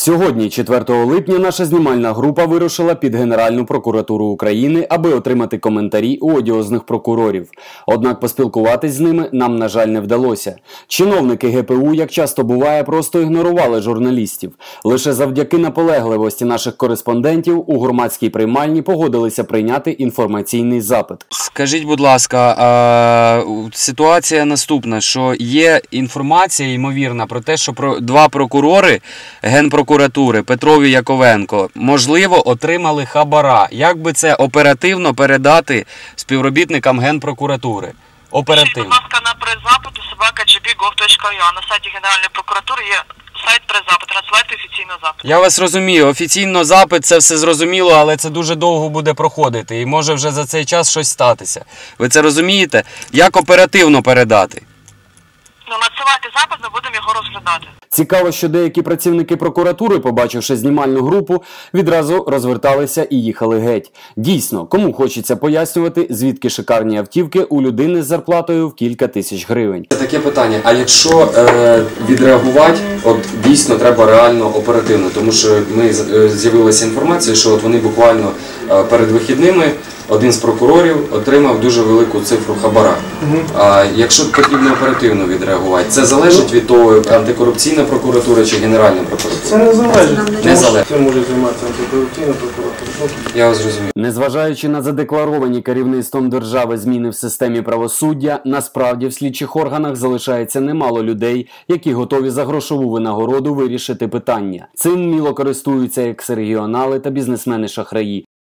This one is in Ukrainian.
Сьогодні, 4 липня, наша знімальна група вирушила під Генеральну прокуратуру України, аби отримати коментарі у одіозних прокурорів. Однак поспілкуватись з ними нам, на жаль, не вдалося. Чиновники ГПУ, як часто буває, просто ігнорували журналістів. Лише завдяки наполегливості наших кореспондентів у громадській приймальні погодилися прийняти інформаційний запит. Скажіть, будь ласка, ситуація наступна, що є інформація, ймовірна, про те, що два прокурори Генпрокуратури, Петров і Яковенко, можливо, отримали хабара. Як би це оперативно передати співробітникам Генпрокуратури? Оперативно. Будь ласка, на прес-запиту @gb.gov.ua. На сайті Генеральної прокуратури є сайт прес-запиту. Надсилайте офіційно запит. Я вас розумію. Офіційно запит, це все зрозуміло, але це дуже довго буде проходити. І може вже за цей час щось статися. Ви це розумієте? Як оперативно передати? Надсилайте запит, ми будемо його розглядати. Цікаво, що деякі працівники прокуратури, побачивши знімальну групу, відразу розверталися і їхали геть. Дійсно, кому хочеться пояснювати, звідки шикарні автівки у людини з зарплатою в кілька тисяч гривень. Таке питання, а якщо відреагувати, от дійсно треба реально оперативно, тому що ми з'явилася інформація, що от вони буквально перед вихідними один з прокурорів отримав дуже велику цифру хабара. А якщо потрібно оперативно відреагувати, це залежить від того, антикорупційна прокуратура чи Генеральна прокуратура? Це не залежить. Не залежить. Це може займатися антикорупційна прокуратура. Я вас зрозумів. Незважаючи на задекларовані керівництвом держави зміни в системі правосуддя, насправді в слідчих органах залишається немало людей, які готові за грошову винагороду вирішити питання. Цим міло користуються екс-регіонали та бізнесмени-шахраї.